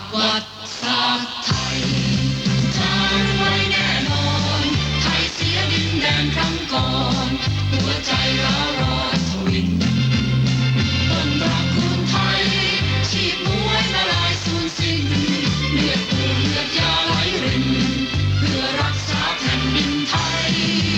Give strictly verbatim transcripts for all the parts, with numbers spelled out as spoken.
วัติศาสตร์ไทยจารึกไว้แน่นอนไทยเสียดินแดนครั้งก่อนหัวใจร้าวร้อนทวินต้นตระกูลไทยชีพมวยละลายสูญสิ้นเลือดเปื้อนเลือดยาไหลรินเพื่อรักษาแผ่นดินไทย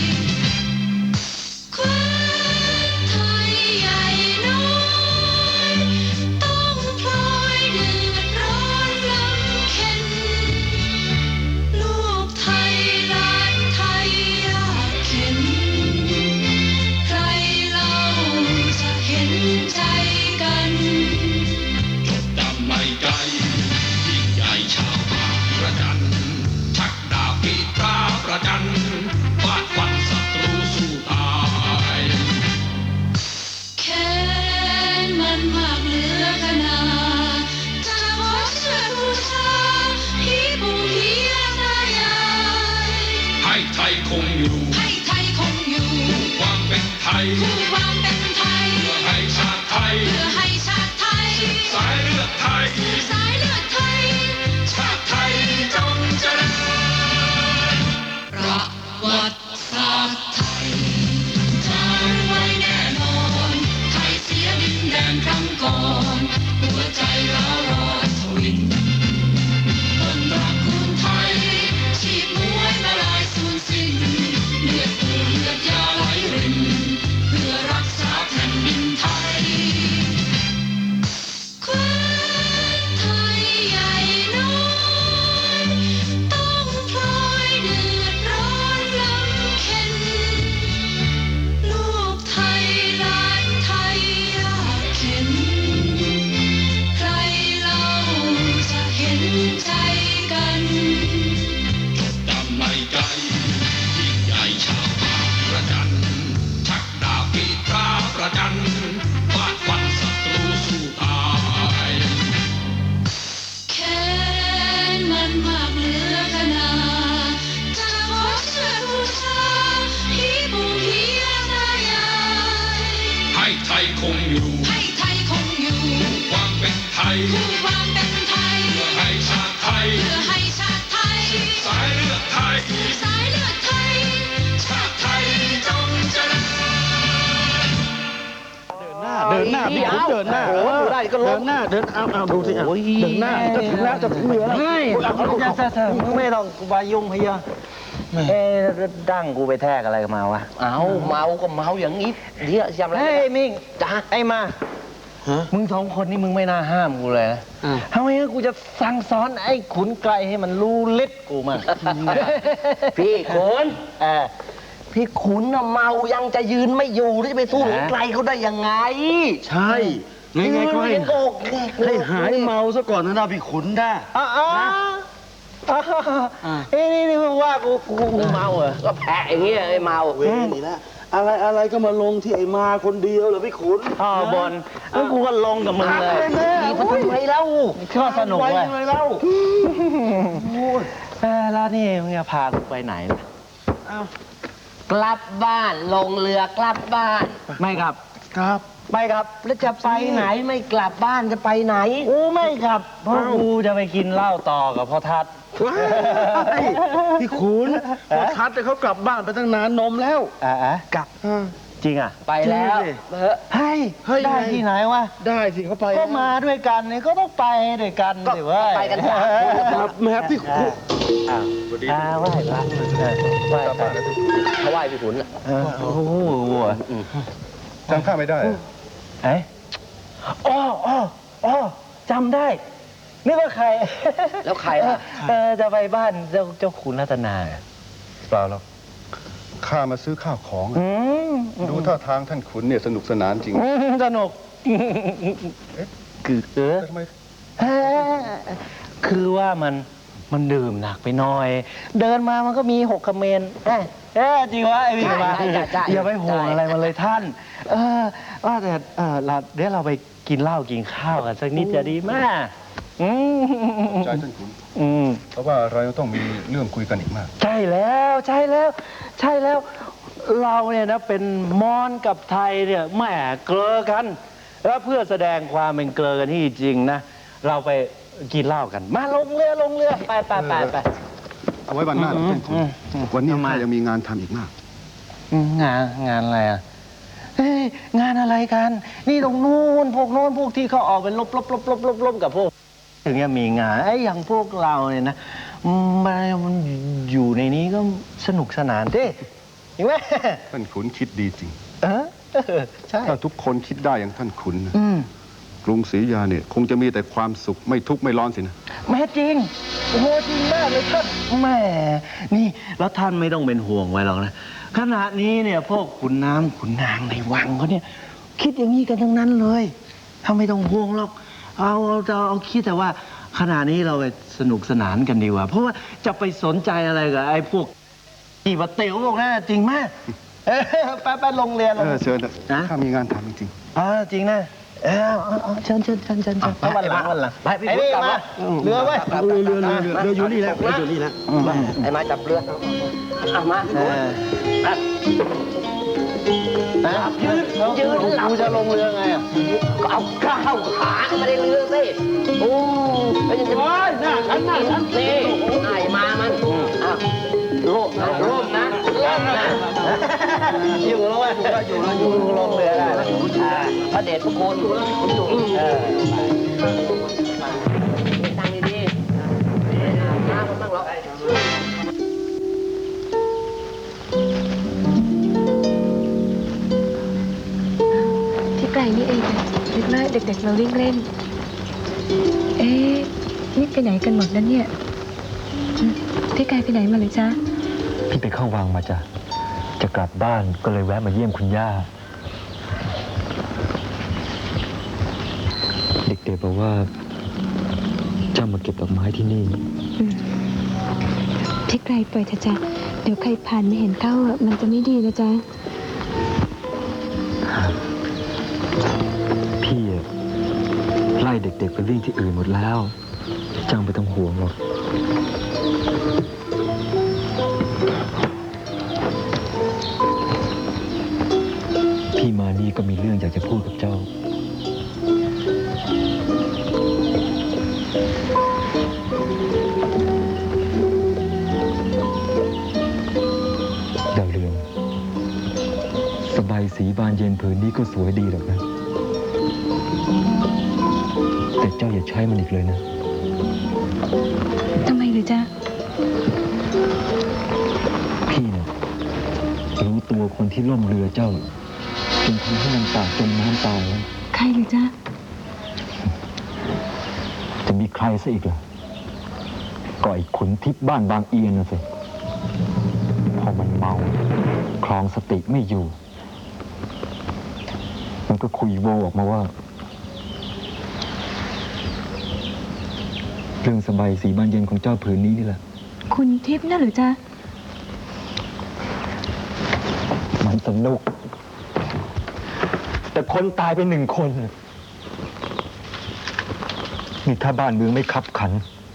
แคว้นไทยใหญ่น้อยต้องพลอยเดือดร้อนลำเค็ญลูกไทยหลานไทยยากเข็ญใครเล่าจะเห็นใจกันจดจำในใจยิ่งใหญ่ชาวบางระจันชักดาบปีตราประจันฟาดฟันศัตรูสู้ตายแค้นมันมากเหลือขนาจะขอเชิญบูชาพี่ปู่พี่ย่าตายายให้ไทยคงอยู่ให้ไทยคงอยู่ความเป็นไทยคู่ความเป็นไทยเพื่อให้ชาติไทยเพื่อให้ชาติไทยสายเลือดไทยสายเลือดไทยชาติไทยจงเจริญประวัติศาสตร์ไทยจารึกไว้แน่นอนไทยเสียดินแดนครั้งก่อนหัวใจร้าวร้อนทวินต้นตระกูลไทยชีพมวยละลายสูญสิ้นเลือดเปื้อนเลือดยาไหลรินเพื่อรักษาแผ่นดินไทยแคว้นไทยใหญ่น้อยต้องพลอยเดือดร้อนลำเค็ญลูกไทยหลานไทยยากเข็ญใครเล่าจะเห็นใจกันจดจำในใจยิ่งใหญ่ชาวบางระจันชักดาบปีตราประจันฟาดฟันศัตรูสู้ตายแค้นมันมากเหลือขนาจะขอเชิญบูชาพี่ปู่พี่ย่าตายายให้ไทยคงอยู่ให้ไทยคงอยู่ความเป็นไทยคู่ความเป็นไทยเพื่อให้ชาติไทยเพื่อให้ชาติไทยสายเลือดไทยสายเลือดไทยชาติไทยจงเจริญเดินหน้าพี่ขุนเดินหน้าโอ้ดูได้ก็ลงเดินหน้าเดินเอาเอาดูสิอ่ะเดินหน้าจะถึงแล้วจะถึงเรือแล้วไม่จะจะจะไม่ต้องกูบายุ่งพะยะเอ๊ดั้งกูไปแทกอะไรมาวะเอาเมาก็เมาอย่างนี้เดี๋ยวจำอะไรเฮ้ยมิงจ้าไอ้มามึงสองคนนี่มึงไม่น่าห้ามกูเลยนะทำไมกูจะสั่งสอนไอ้ขุนไกลให้มันรู้ฤทธิ์กูมาพี่ขุนเออพี่ขุนน่ะเมายังจะยืนไม่อยู่ที่จะไปสู้ขุนไกลเขาได้ยังไงใช่ไงไงก็ให้ให้หายเมาซะก่อนนะพี่ขุนได้อ๋อเอ้นี่นี่มึงว่ากูกูเมาเหรอก็แพ้อย่างเงี้ยไอ้เมาเว้ยนี่นะอะไรอะไรก็มาลงที่ไอ้มาคนเดียวเหรอพี่ขุนอ๋อบอลแล้วกูก็ลงกับมึงเลยดีมันทำไมเล่าชอบสนุกเลยทำไมเล่าแล้วนี่มึงจะพากูไปไหนล่ะกลับบ้านลงเรือกลับบ้านไม่ครับครับไม่ครับแล้วจะไปไหนไม่กลับบ้านจะไปไหนกูไม่ครับเพราะกูจะไปกินเหล้าต่อกับพ่อทัศน์พี่ขุนพ่อทัศน์เขากลับบ้านไปตั้งนานนมแล้วอ่ากลับจริงอ่ะไปแล้วเฮ้ยได้ที่ไหนวะได้สิเขาไปก็มาด้วยกันเนี่ยก็ต้องไปด้วยกันสิว่าไปกันสามครับแม่พี่ขุนอ้าวอ่าไหว้พระไหว้พระเขาไหว้พี่ขุนอ่ะโอ้โหจำข้าไม่ได้เอ๊ะอ๋ออ๋ออ๋อจำได้นี่ว่าใครแล้วใครล่ะจะไปบ้านเจ้าเจ้าขุนรัตนาเปล่าหรอกข้ามาซื้อข้าวของดูท่าทางท่านขุนเนี่ยสนุกสนานจริงสนุกคือเออทำไมคือว่ามันมันดื่มหนักไปหน่อยเดินมามันก็มีหกคเมนเอ๊ะจริงวะไอ้พี่มาอย่าไปห่วงอะไรมาเลยท่านเออว่าแต่เออเราเดี๋ยวเราไปกินเหล้ากินข้าวกันสักนิดจะดีมากใช่ท่านขุนเพราะว่าเราต้องมีเรื่องคุยกันอีกมากใช่แล้วใช่แล้วใช่แล้วเราเนี่ยนะเป็นมอญกับไทยเนี่ยแหมเกลอกันแล้วเพื่อแสดงความเป็นเกลอกันที่จริงนะเราไปกินเหล้ากัน มาลงเรือลงเรือไปไปไปไปเอาไว้วันหน้าเราเต้นคุณอืมอืมวันนี้ทำไมข้ายังมีงานทำอีกมากอืมงานงานอะไรอ่ะเฮ้ยงานอะไรกัน นี่ตรงนู้นพวกโน้นพวกที่เขาออกเป็นลบลบลบลบลบลบกับพวก ถึงจะมีงานไอ้อย่างพวกเราเนี่ยนะมันมันอยู่ในนี้ก็สนุกสนานดิเห็นไหมท่านขุนคิดดีจริงเออเออใช่ถ้าทุกคนคิดได้อย่างท่านขุนนะอืมกรุงศรีอยุธยาเนี่ยคงจะมีแต่ความสุขไม่ทุกข์ไม่ร้อนสินะแม่จริงโอ้โหจริงมากเลยท่านแหม่นี่แล้วท่านไม่ต้องเป็นห่วงไว้หรอกนะขณะนี้เนี่ยพวกขุนน้ำขุนนางในวังเขาเนี่ยคิดอย่างนี้กันทั้งนั้นเลยถ้าไม่ต้องห่วงหรอกเอาเอาเอาเอาคิดแต่ว่าขณะนี้เราไปสนุกสนานกันดีกว่า เพราะว่าจะไปสนใจอะไรกับไอ้พวกนี่มาเต๋วพวกนั้นจริงมากเออไปไปลงเรียนลเอง อเชิญเถอะนะข้ามีงานทำจริงอ๋อจริงนะเออเอาเอาเชิญเชิญเชิญเชิญเชิญเอาวันหลังวันหลังไปพี่ไอ้ขุนนี่กลับมามาเรือไว้ยเรือเรือเรือเรือเรืออยู่นี่แล้วเรืออยู่นี่แล้วไอ้มาจับเรือเอามาพี่เอขุนอนะยืนยืนหลับกูจะลงเรือไงอ่ะก็เอาข้าวขาขึ้นมาในเรือสิโอ้ไม่ใช่จะโอ้ยหน้าฉันหน้าฉันนี่ไอ้มามันอ้าวร่มนะร่มนะร่มนะอยู่แล้วเว้ยอยู่แล้วอยู่ลงเรือได้แล้วพระเดชพระคุณอยู่แล้วคุณอยู่เออตั้งดีๆน้ำมันบ้างหรอที่ไกลนี่เองนึกว่าเด็กๆเราวิ่งเล่น เอ๊ะนี่ไปไหนกันหมดแล้วเนี่ยอืมพี่ไกลไปไหนมาเลยจ๊ะพี่ไปเข้าวังมาจ้ะ จะกลับบ้านก็เลยแวะมาเยี่ยมคุณย่า เด็กๆบอกว่าเจ้ามาเก็บดอกไม้ที่นี่อืมพี่ไกลปล่อยเถอะจ้ะเดี๋ยวใครผ่านไม่เห็นเข้าอ่ะมันจะไม่ดีนะจ๊ะพี่อะไล่เด็กๆไปวิ่งที่อื่นหมดแล้วเจ้าไม่ต้องห่วงหรอก พี่มานี่ก็มีเรื่องอยากจะพูดกับเจ้า ดาวเรืองสบายสีบานเย็นผืนนี้ก็สวยดีหรอกนะ แต่เจ้าอย่าใช้มันอีกเลยนะทำไมหรือจ๊ะพี่เนี่ยรู้ตัวคนที่ล่มเรือเจ้าจนทำให้นางตากจมน้ำตายแล้วใครหรือจ๊ะจะมีใครซะอีกล่ะก็ไอ้ขุนทิพย์บ้านบางเอียนน่ะสิพอมันเมาคลองสติไม่อยู่ มันก็คุยโวออกมาว่า เรื่องสบายสีบานเย็นของเจ้าผืนนี้นี่แหละคุณทิพย์น่ะหรือจ๊ะมันสนุก แต่คนตายไปหนึ่งคน นี่ถ้าบ้านเมืองไม่คับขัน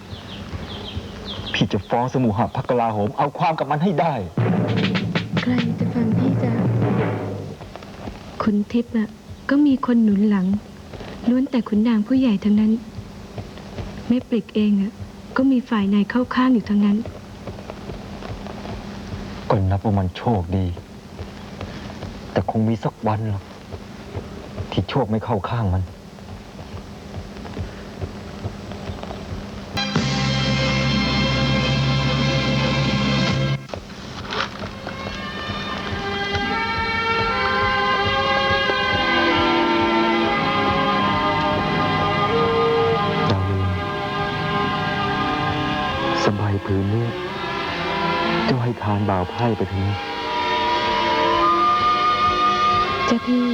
พี่จะฟ้องสมุหพักกลาโหม เอาความกับมันให้ได้ใครจะฟังพี่จ๊ะ คุณทิพย์อ่ะก็มีคนหนุนหลังล้วนแต่ขุนนางผู้ใหญ่ทั้งนั้น แม่ปริกเองอ่ะก็มีฝ่ายในเข้าข้างอยู่ทั้งนั้นก็นับว่ามันโชคดี แต่คงมีสักวันหรอกที่โชคไม่เข้าข้างมัน ดาวเรืองสบายผืนนี้เจ้าให้ทานบ่าวไพร่ไปถึงจ้ะพี่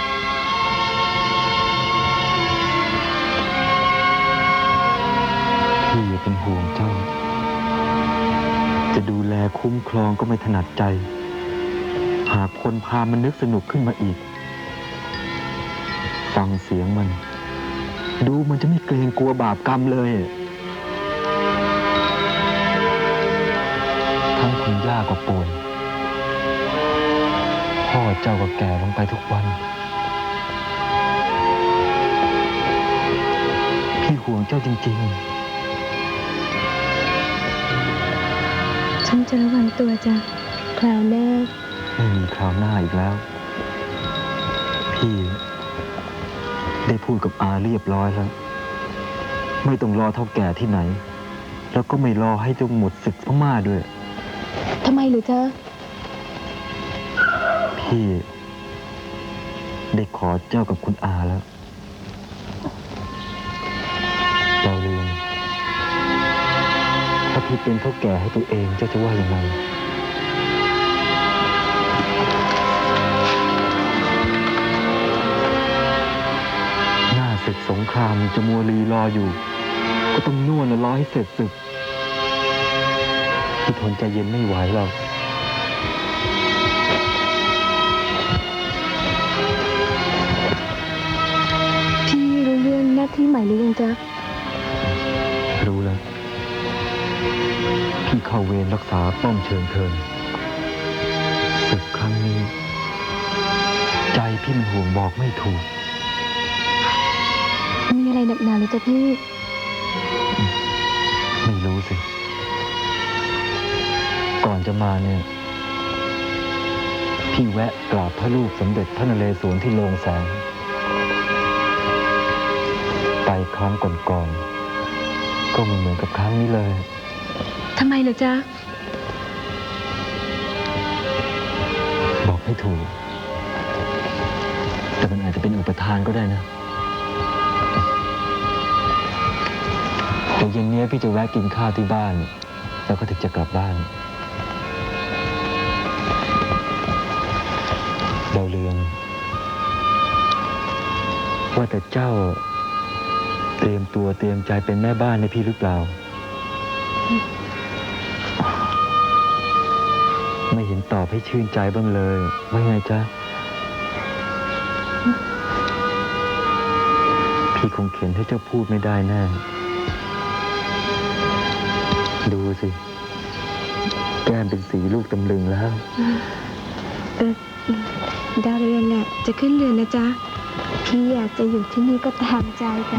พี่อย่าเป็นห่วงเจ้า จะดูแลคุ้มครองก็ไม่ถนัดใจ หากคนพามันนึกสนุกขึ้นมาอีก ฟังเสียงมัน ดูมันจะไม่เกรงกลัวบาปกรรมเลย ทั้งคุณย่าก็ป่วย พ่อเจ้าก็แก่ลงไปทุกวัน พี่ห่วงเจ้าจริงฉันจะระวังตัวจ้ะคราวหน้าๆ ไม่มีคราวหน้าอีกแล้ว พี่ได้พูดกับอาเรียบร้อยแล้ว ไม่ต้องรอเท่าแก่ที่ไหน แล้วก็ไม่รอให้เจ้าหมดศึกพม่าด้วยทำไมหรือจ๊ะพี่ได้ขอเจ้ากับคุณอาแล้วเราลืมถ้าพี่เป็นเท่าแก่ให้ตัวเองเจ้าจะว่ายังไงหน้าศึกสงครามจะมัวรีรออยู่ ก็ต้องนวดและรอให้เสร็จศึกพี่ทนใจเย็นไม่ไหวหรอกพี่รู้เรื่องหน้าที่ใหม่หรือยังจ๊ะรู้แล้ว พี่เข้าเวรรักษาป้อมเชิงเทินศึกครั้งนี้ ใจพี่มันห่วงบอกไม่ถูกมีอะไรหนักหนาหรือจ๊ะพี่ไม่รู้สิ ก่อนจะมาเนี่ย พี่แวะกราบพระรูปสมเด็จพระนเรศวรที่โรงแสง ไปครั้งก่อนๆก็ไม่เหมือนกับครั้งนี้เลยทำไมเหรอจ๊ะบอกไม่ถูก แต่มันอาจจะเป็นอุปทานก็ได้นะเดี๋ยวเย็นนี้พี่จะแวะกินข้าวที่บ้าน แล้วก็ถึงจะกลับบ้านดาวเรืองว่าแต่เจ้าเตรียมตัวเตรียมใจเป็นแม่บ้านในพี่หรือเปล่า ไม่เห็นตอบให้ชื่นใจบ้างเลยว่าไงจ๊ะ พี่คงเขียนให้เจ้าพูดไม่ได้แน่ ดูสิ แก้มเป็นสีลูกตำลึงแล้วเออดาวเรืองน่ะจะขึ้นเรือนนะจ๊ะ พี่อยากจะอยู่ที่นี่ก็ตามใจจ้ะ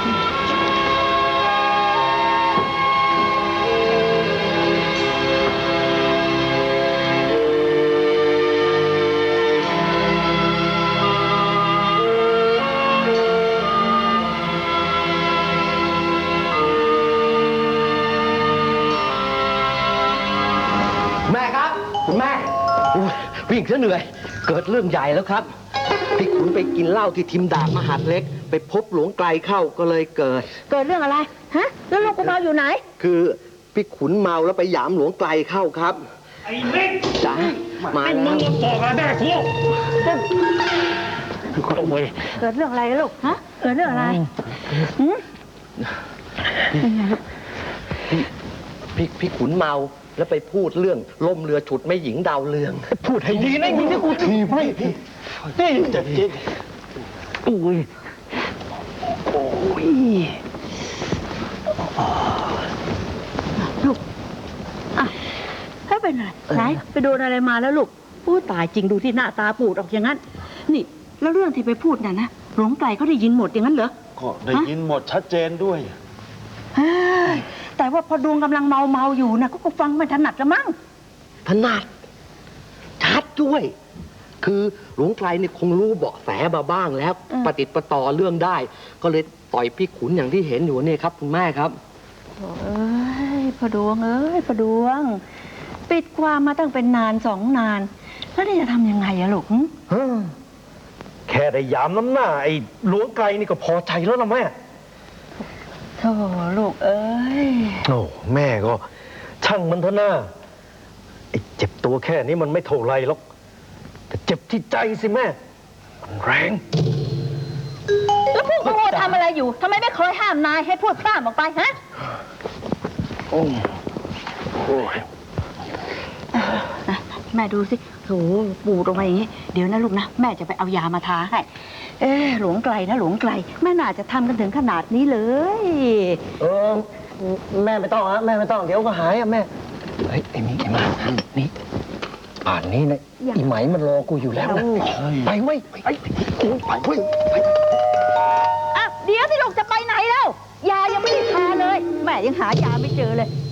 แม่ครับคุณแม่อุ๊ยวิ่งซะเหนื่อย เกิดเรื่องใหญ่แล้วครับพี่ขุนไปกินเหล้าที่ทิมดาบมหาดเล็ก ไปพบหลวงไกลเข้าก็เลยเกิดเกิดเรื่องอะไร ฮะ แล้วลูกกูเมาอยู่ไหนคือพี่ขุนเมาแล้วไปหยามหลวงไกลเข้าครับไอ้เล็กจ้ามาเป็นแล้มึวงมาบอกอะไรแม่กู โอ้ยเกิดเรื่องอะไรลูก ฮะ เกิดเรื่องอะไรหืมเป็นไงลูกพี่พี่พี่ขุนเมาแล้วไปพูดเรื่องล่มเรือฉุดแม่หญิงดาวเรือง พูดให้ดีนะมึงนี่กูทีไม่นี่จะจริงอุ้ยโอ้ยลูก อ่ะให้เป็นไรไหนไปโดนอะไรมาแล้วลูกพูดตายจริงดูที่หน้าตาปูดออกอย่างนั้น นี่ แล้วเรื่องที่ไปพูดน่ะนะ หลวงไกลเขาได้ยินหมดอย่างนั้นเหรอก็ได้ยินหมดชัดเจนด้วยเฮ้ยแต่ว่าพอดวงกำลังเมาเมาๆอยู่นะก็ก็ฟังไม่ถนัดละมั้งถนัดชัดด้วย คือหลวงไกลเนี่ยคงรู้เบาะแสมาบ้างแล้วอืมปฏิดประต่อเรื่องได้ ก็เลยต่อยพี่ขุนอย่างที่เห็นอยู่เนี่ยครับคุณแม่ครับโอ้ยพอดวงเอ้ยพอดวง ปิดความมาตั้งเป็นนานสองนาน แล้วนี่จะทำยังไงอะลูกหึแค่ได้ยามน้ำหน้าไอ้หลวงไกลนี่ก็พอใจแล้วนะแม่โธ่ลูกเอ้ยโอ้แม่ก็ ช่างมันเถอะหน้าไอ้เจ็บตัวแค่นี้มันไม่เท่าไรหรอก แต่เจ็บที่ใจสิแม่ มันแรงแล้วพวกโง่ทำอะไรอยู่ทำไมไม่เคยห้ามนายให้พูดพร่ำออกไปฮะโอ้โอ้ยอ่ะแม่ดูสิโถปูดออกมาอย่างนี้ เดี๋ยวนะลูกนะ แม่จะไปเอายามาทาให้ เอ๊ะหลวงไกลนะหลวงไกล แม่น่าจะทำกันถึงขนาดนี้เลยเออแม่ไม่ต้องฮะแม่ไม่ต้องเดี๋ยวก็หายอะแม่เฮ้ยไอ้นี่ไอ้มานี่ป่านนี้นะอีไหมมันรอกูอยู่แล้วนะไปเว้ยไปไปเว้ยไปอ้าวเดี๋ยวที่ลูกจะไปไหนแล้วยายังไม่ได้ทาเลย แม่ยังหายาไม่เจอเลย